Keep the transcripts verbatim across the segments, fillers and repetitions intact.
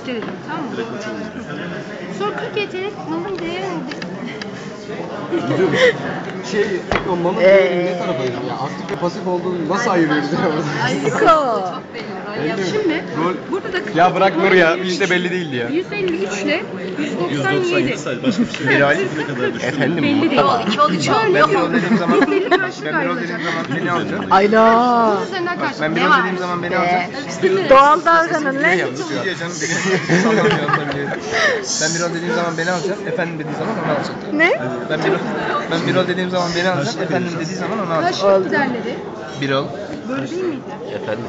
iste dedim, tamam mı? Sonra kırk yetenek malın değerinde. Şey, o malın ee... ne tarafa ayırıyor? Ya aktif ve pasif olduğunu nasıl ayırıyoruz ya? Ayıko. Şimdi burada da ya bırak Nur ya, hiç de belli değildi ya. yüz elli üç ile yüz doksan yedi. Başka bir şey. Bir ay ne kadar düştü? Efendim belli değil. İki oldu iki oldu. Ben bir rol dediğim zaman yüz elli karşılık ben bir rol dediğim ayrılacak. zaman beni alacak. Ayla. Bunun üzerinden karşılık Ben bir ne rol var? dediğim zaman beni alacak. Doğal davranın lan. Yalnız diyor canım, beni sallamıyor da biliyor. Ben bir rol dediğim zaman beni alacak, efendim dediği zaman onu alacak. Ne? Ben bir rol, ben bir rol dediğim zaman beni alacak, efendim dediği zaman onu alacak. Karşılık giderleri Bir rol. böyle değil miydi? Efendim.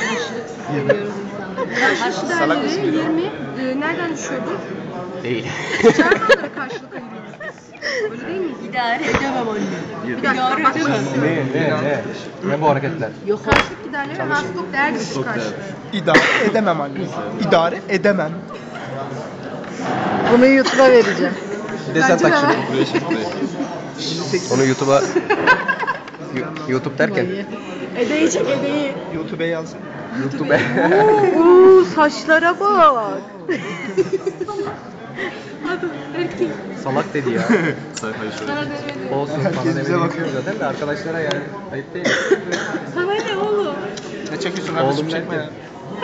Karşılık giderleri yirmi e, nereden düşüyordu? Değil. Çarpanlara karşılık ayırıyoruz biz. Öyle değil miydi? İdare edemem anne. Bir dakika bak. Ne ne ne? Ne bu hareketler? Yok. Karşılık giderleri ve hasılık değer düşük karşılığı. İdare edemem anne. İdare edemem. Bunu YouTube'a vereceğim. Desen tak şunu. Buraya şey buraya. Onu YouTube'a YouTube derken Edeyi çek edeyi. YouTube'a yaz. YouTube'a Uuu saçlara bak. salak dedi ya. Sayfayı şöyle. Olsun bana demedi bakıyor zaten de arkadaşlara yani ayıp değil. Sana ne oğlum? Ne çekiyorsun kardeşim, Oğlum çekme ya.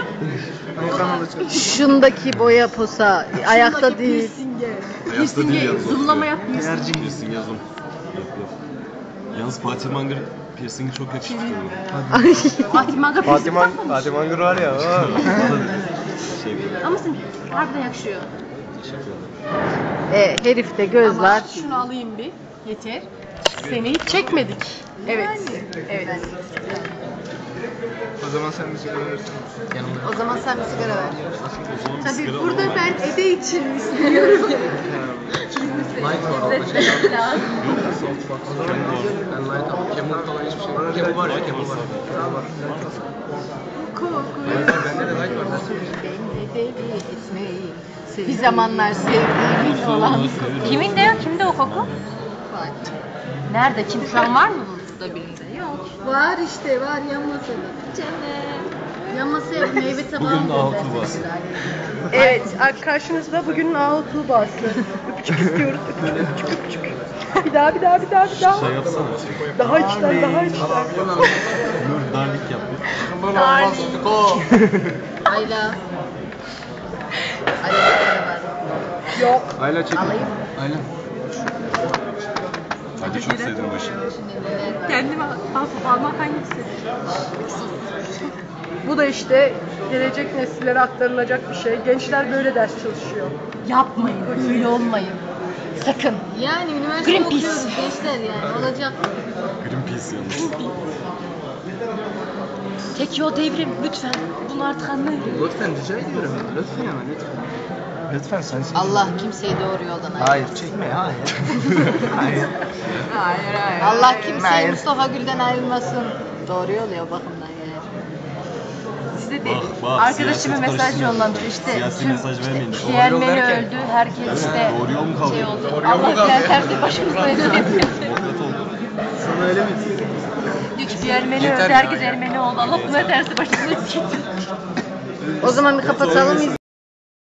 Şundaki boya posa ayakta değil. Ayakta değil yalnız. Zoomlama yapmıyorsun. Piercing diyorsun ya zoom. Yap yap. Yalnız Fatih Mangır piercingi çok yakışıklı. Ay. Fatih Manga Fatih Man Fatih Mangır var ya. Şey böyle. Ama sen harbiden yakışıyor. E, herifte göz var. Ama şunu alayım bir. Yeter. Seni hiç çekmedik. Evet. Evet. O zaman sen bir sigara verirsin. O zaman sen bir sigara ver. O zaman Tabii sigara burada alalım. ben Ede için istiyorum. Light var orada şey. Ben light al. Camel falan hiçbir şey yok. Camel var ya, Camel var. Bende de light var zaten. Bir zamanlar sevdiğimin olan. Kimin de yok? Kimde o koku? Nerede? Kim? Şu an var mı burada birinde? Yok. Var işte var yan masada. Canım. Yan masaya meyve tabağı Bugün mı Ahu göndersin? Tuğba'sı. Evet karşınızda bugün Ahu Tuğba'sı. Öpücük istiyoruz. Öpücük öpücük öpücük. Bir daha bir daha bir daha bir daha. Şey yapsana. Daha içten daha içten. Nur darlik yap. Ayla. Ayla var. Yok. Ayla çekin. Alayım. Ayla. Hadi çok sevdim bu işi. Kendime alıp almak hangisi? Bu da işte gelecek nesillere aktarılacak bir şey. Gençler böyle ders çalışıyor. Yapmayın. Öyle olmayın. Sakın. Yani üniversite Greenpeace. okuyoruz gençler yani olacak. Greenpeace yalnız. Tek yol devrim. Lütfen. Bunu artık anlayın. Lütfen rica ediyorum. Lütfen ama lütfen. Lütfen sensin. Allah kimseyi doğru yoldan ayırmasın. Hayır, çekme ya. Hayır. Hayır hayır. Allah kimseyi Hayır. Mustafa Gül'den ayırmasın. Doğru yol ya o bakımdan yani. Size de Bak, bak, arkadaşıma siyaset mesaj karıştırmayın. yolladı işte. Siyasi tüm mesaj vermeyin. Diğer Doğru yol menü derken? öldü. Herkes işte Doğru yol mu kaldı? şey oldu. Doğru yol mu Allah kaldı? diğer tersi başımızdaydı. Demokrat oldu. Sana öyle mi? Üç diğer menü Yeter öldü. ya, Herkes ya. Ermeni oldu. Allah buna tersi başımızdaydı. O zaman bir kapatalım.